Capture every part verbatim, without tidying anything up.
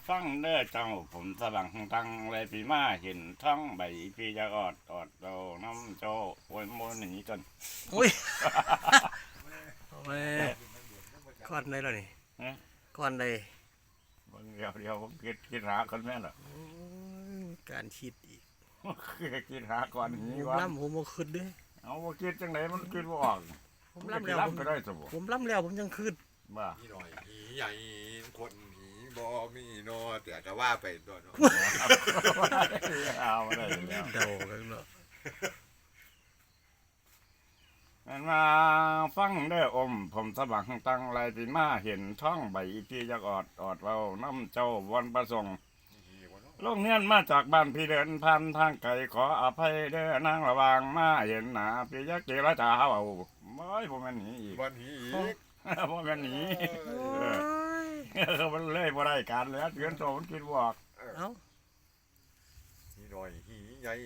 ฟังเด้อเจ้าผมสว่างตังเลยปีมาเห็นท้องใบปีจะออดออดเราน้ำโจโวยโมนหนีจนอุ้ยโอ้ยก้อนได้แล้วนี่ก้อนได้เดี๋ยวเดี๋ยวผมคิดคิดหาคนแม่หรอโอ้ยการคิดอีกคือคิดหาก่อนผนี้มว่าล่ำผมบ่ขึ้นเด้เอาว่าคิดจังไหนมันคิดว่าออกผมล่ำแล้วผมไปได้สมบูผมล่ำแล้วผมยังขึ้นบ้าหีหน่อยหีใหญ่คนหีบอมีโนแต่ก็ว่าไปตัวเนาะเอาได้แล้วเดากันเนาะมันมาฟังเด้ออมผมสว่างตังไรปีมาเห็นท้องใบปีจะออดออดเราน้ำเจ้าวันประสงค์ลงเนียนมาจากบ้านพี่เดินพันทางไกลขออภัยเด้อนางระวางมาเห็นหนาพี่ยักษ์เจรจาเอาไม่ผมมันหนีอีกวันหีอีกผมมันหนีโอ้ยมันเลยบ่ได้การแล้วเตือนโตมันคิดบอกเอ้าหีหน่อยหีใหญ่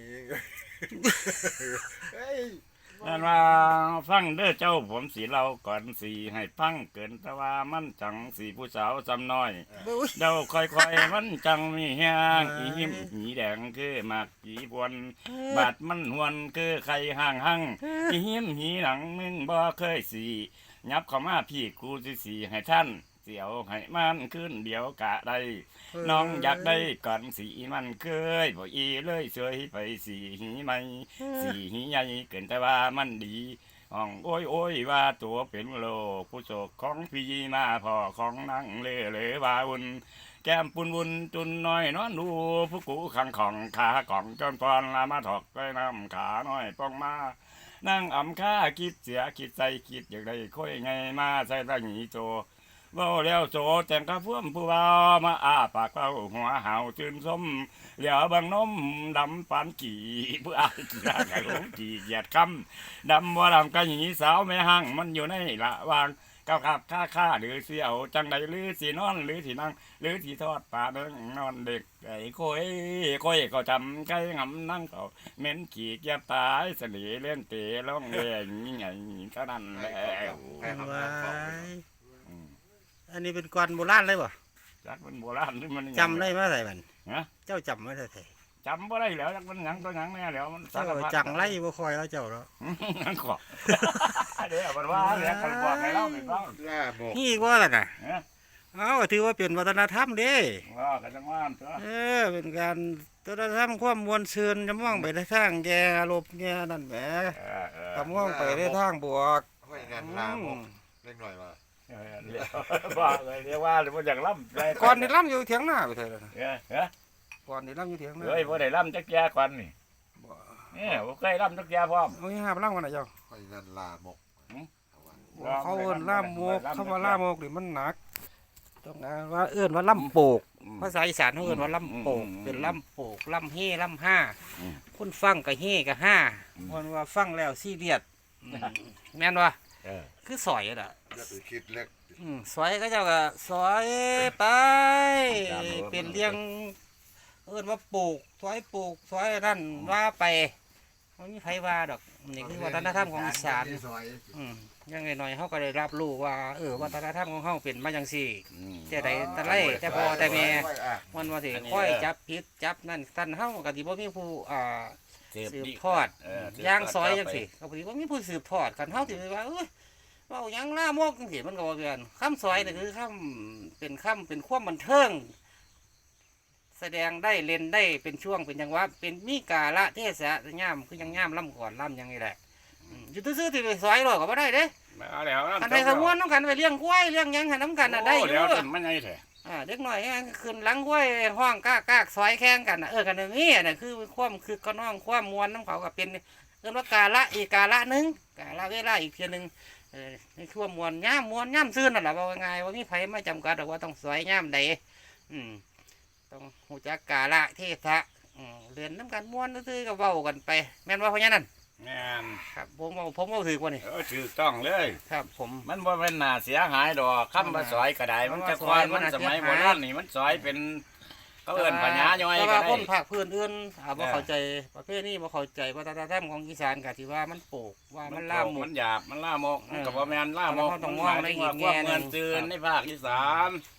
เฮ้ยนั่นว่าฟังเด้อเจ้าผมสีเราก่อนสีให้ฟังเกินแต่ว่ามันจังสีผู้สาวจำน้อยอุ้ยเดาค่อยๆมันจังมีแฮงอีหิมหีแดงคือหมากหีบวนบาดมันหวนคือไข่ห่างหังอีหิมหีหนังมึงบ่เคยสียับเข้ามาพี่กูสิสีให้ท่านเสียวให้มันขึ้นเดี๋ยวกะได้น้องอยากได้ก่อนสีมันเคยบ่อีเลยเสยไปสีหีไหมสีหีใหญ่เกินแต่ว่ามันดีห้องโอ้ยโอ้ยว่าตัวเป็นโลกผู้โศกของพี่มาพ่อของนั่งเล่เล่วาวุ่นแก้มปุนวุนจุนน้อยนอนดูผู้กูขังของขาของจนพรลามาถอกไปน้ำขาน้อยป้องมานั่งอ่ำค่าคิดเสียคิดใจคิดอย่างไรค่อยไงมาใส่ตาหนีโจเว้าแล้วโจแต่งกระพุ่มผู้เบามาอาปากเป้าหัวเห่าจืนส้มเหลียวบางนมดำปานกี่ผู้อายกี่ราไก่ลงกี่เหยียดคำดำว่าดำกะหนีสาวแม่ห้างมันอยู่ในละวางก้าวขับค่าค่าหรือเสียวจังใดหรือสีนอนหรือสีนั่งหรือสีทอดปลาเด้งนอนเด็กไก่โค้ยโค้ยก็จำไก่งำนั่งเขาเหม็นขี่เกียบตายเสลีเล่นเตะร้องเล่นนี่ไงเท่านั้นแหละใครทำว้าน้ำเขายอันนี้เป็นก้อนโบราณเลยบ่จักมันโบราณหรือมันจำได้มาใส่มันฮะเจ้าจำไว้ใส่จำบ่ได้แล้วจักมันหยังตัวหยังแน่แล้วมันสาเจ้ารพัดจังไรบ่คอยเอาเจ้าแล้วนั่นขอเดี๋ยวมันว่าเดี๋ยวกันบอกให้เราไม่ฟังล่าหมกนี่ว่าล่ะน่ะเอ๊ะเอ้าถือว่าเป็นวัฒนธรรมเด้ว่ากันจังว่าตัวเออเป็นการวัฒนธรรมความมวลซืนจะมองไปในทางแย่ลบแย่นั่นแหมเออเออก็มองไปในทางบวกห้อยนั่นล่าหมกเล็กหน่อยมาเออเดี๋ยวว่าเลยเดี๋ยวว่าหรือว่าอย่างล่ำไปก่อนนี่ล่ำอยู่เถียงหน้าไปเถอะนะเออเฮ้ยก่อนนี่ล่ำอยู่เถียงหน้าเฮ้ยบ่ได้ล่ำจักแย่ก่อนนี่เนี่ยบ่เคยล่ำจักแย่พร้อมเอาอย่างหาไปล่ำกันนะเจ้าห้อยนั่นล่าหมกเขาเอิ้นล่ามโมกเขาว่าล่ามโมกนี่มันหนักต้องการว่าเอิ้นว่าล่ำโปกภาษาอีสานเขาเอิ้นว่าล่ำโปกเป็นล่ำโปกล่ำเฮ่ล่ำห้าคนฟังก็เฮ่ก็ห้าคนว่าฟังแล้วซีเรียสอืมแม่นว่าเออคือสอยอ่ะอย่าไปคิดเล็กอืมสอยก็เจ้าก็สอยไปเป็นเรื่องเอิ้นว่าปลูกสอยปลูกสอยนั่นว่าไปมันมีไผว่าดอกนี่คือวัฒนธรรมของอีสานซอยอืมยังไงหน่อยเขาก็ได้รับรู้ว่าเออวัฒนธรรมของเขาเป็นมาจังซี่อืมแต่ใดแต่ไรแต่พอแต่แม่มันว่าสิค่อยจับผิดจับนั่นท่านเฮาก็สิบ่มีผู้อ่าสืบทอดเออย่างซอยจังซี่ก็บ่สิบ่มีผู้สืบทอดคันเฮาสิไปว่าเอ้ยเว้าหยังล่ามกจังซี่มันก็บ่เปลี่ยนคำซอยนี่คือคำเป็นคำเป็นความบันเทิงแสดงได้เล่นได้เป็นช่วงเป็นจังหวะเป็นมีกาละเทศะย่ามคือยังย่ามล่ำก่อนล่ำยังนี่แหละอืมอยู่ซื่อๆที่ไปซอยหรอกก็บ่ได้เด้มาแล้วอันใดขมวนน้ำกันไปเลี้ยงกล้วยเลี้ยงหยังให้น้ำกันน่ะได้อแล้ยู่วจนมันไงแท้อ่าเด็กหน่อยขึ้นหลังกล้วยห้องก้ากากซอยแข่งกันน่ะเออกันอย่างนี้น่ะคือความคือก็น้องความมวลน้ำเขาก็เป็นเรื่องว่ากาละอีกกาละหนึงกาละเวลาอีกเพียงหนึ่งเออในช่วงมวลย่ามมวลย่ามซื่นนั่นแหละว่าง่ายว่ามีไผไม่จำกัดหรอกว่าต้องซอยย่ามใดอืมต้องหูจักกาละเทศะอืมเรียนน้ำกันมวลซื่อๆก็เว้ากันไปแม่นว่าเพราะงั้นนั่นแม่นครับผมเอาผมเอาถือกว่านี่เออถูกต้องเลยครับผมมันบ่เป็นหน้าเสียหายดอกคำว่าซอยก็ได้มันจะควายมันสมัยโบราณนี่มันซอยเป็นเขาเอิ้นปัญญาย่อยแต่ก็ว่าได้คนภาคพื้นอื่นถามว่าเข้าใจประเภทนี้บ่เข้าใจวัฒนธรรมของอีสานก็ที่ว่ามันโปกว่ามันล่ามหมมัดนหยาบมันล่ามกมันก็บ่แม่นล่ามกมันต้องมองในอีกแง่หนึ่งความเงินจืนในภาคอีสานค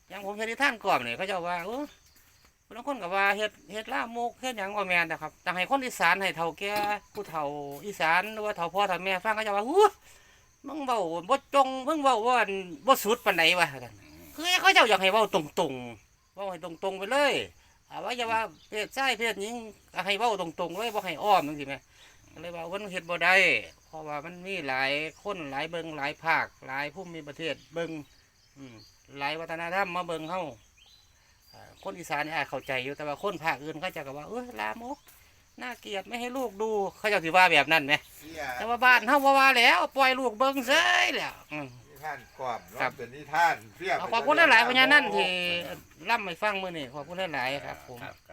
อย่างผมเฮ็ดที่ท่านกรอบนี่เขาเจ้าว่าโอ้บางคนก็ว่าเฮ็ดเฮ็ดลามกเฮ็ดหยังบ่แม่นนะครับแต่ให้คนอีสานให้เฒ่าแก่ผู้เฒ่าอีสานหรือว่าเฒ่าพ่อเฒ่าแม่ฟังเขาเจ้าว่าอู้มึงเว้าบ่จงมึงเว้าว่าบ่สุดปานใดวะคือเขาเจ้าอยากให้เว้าตรงๆเว้าให้ตรงๆไปเลยอาว่าอย่าว่าเพศชายเพศหญิงให้เว้าตรงๆเลยบ่ให้อ้อมจังซี่แหมก็เลยว่ามันเฮ็ดบ่ได้เพราะว่ามันมีหลายคนหลายเบิ่งหลายภาคหลายภูมิประเทศเบิ่งอืมหลายวัฒนธรรมมาเบิ่งเฮาอ่าคนอีสานนี่อาจเข้าใจอยู่แต่ว่าคนภาคอื่นเขาจะก็ว่าเอ้ยลามกน่าเกลียดไม่ให้ลูกดูเขาเจ้าสิว่าแบบนั้นไหมเสียแต่ว่าบ้านเฮาบ่ว่าแล้วปล่อยลูกเบิ่งเฉยแล้วอืมนิทานความครัเนาะบเป็นนิทานเสียเอาขอบคุณหลายๆพญานั่นที่ล่ำให้ฟังมื้อนี้ขอบคุณหลายๆครับผมครับ